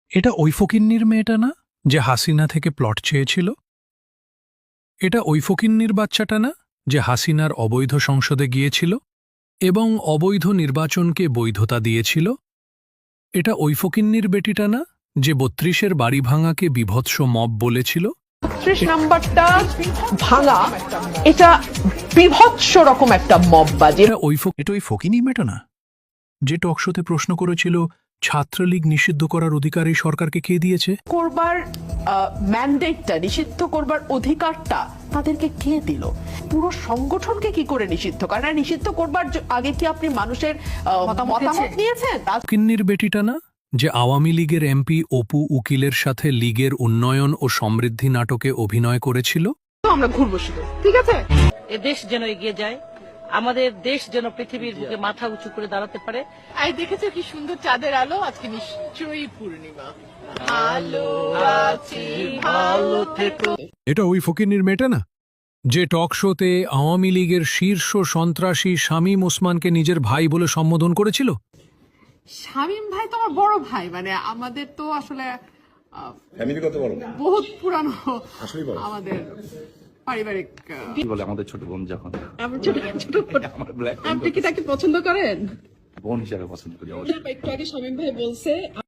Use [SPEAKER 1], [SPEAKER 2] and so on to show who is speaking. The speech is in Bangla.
[SPEAKER 1] এটা ওই ফকিন্নির মেয়েটা না যে হাসিনা থেকে প্লট চেয়েছিল? এটা ওই ফকিন্নির বাচ্চাটা না যে হাসিনার অবৈধ সংসদে গিয়েছিল এবং অবৈধ নির্বাচনকে বৈধতা দিয়েছিল? এটা ওই ফকিন্নির বেটিটা না যে ৩২-এর বাড়ি ভাঙাকে বীভৎস মব বলেছিল?
[SPEAKER 2] ৩০ নাম্বারটা ভাঙা, এটা বিভৎস রকম একটা মববাজি।
[SPEAKER 1] এটা ওই ফকিন্নির মেয়েটা না যে টকশোতে প্রশ্ন করেছিল ছাত্রলীগ নিষিদ্ধ করার অধিকার এই সরকারকে কে দিয়েছে?
[SPEAKER 2] করবার ম্যান্ডেটটা, নিষিদ্ধ করবার অধিকারটা তাদেরকে কে দিল? পুরো সংগঠনকে কি করে নিষিদ্ধ করে? না, নিষিদ্ধ করবার আগে কি আপনি মানুষের মতামত নিয়েছেন?
[SPEAKER 1] ফকিন্নির বেটিটা না যে আওয়ামী লীগের এমপি অপু উকিলের সাথে লীগের উন্নয়ন ও সমৃদ্ধি নাটকে অভিনয় করেছিল?
[SPEAKER 2] আমরা ঘুরবো শুধু, ঠিক আছে?
[SPEAKER 3] এ দেশ যেন এগিয়ে যায়, আমাদের দেশ যেন পৃথিবীর বুকে মাথা উঁচু করে দাঁড়াতে পারে।
[SPEAKER 2] আই দেখেছো কি সুন্দর চাঁদের আলো? আজকে নিশ্চয়ই পূর্ণিমা। আলো আছি ভালো থেকো।
[SPEAKER 1] এটা ওই ফকিন্নির মেয়েটা না যে টক শোতে আওয়ামী লীগের শীর্ষ সন্ত্রাসী শামীম ওসমানকে নিজের ভাই বলে সম্বোধন করেছিল?
[SPEAKER 4] শামীম ভাই তো আমার বড় ভাই, মানে আমাদের তো আসলে
[SPEAKER 5] ফ্যামিলি কত বড়?
[SPEAKER 4] বহুত পুরানো
[SPEAKER 5] আসলেই বড়।
[SPEAKER 4] আমাদের পারিবারিক।
[SPEAKER 5] কি বলে আমাদের ছোট বোন যখন
[SPEAKER 4] আমার ছোট ছোট বোন।
[SPEAKER 5] আমার ব্ল্যাক
[SPEAKER 4] আপনি কি তাকে পছন্দ করেন?
[SPEAKER 5] বোন হিসাবে পছন্দ করি অবশ্যই।
[SPEAKER 4] একটু আগে শামীম ভাই বলছে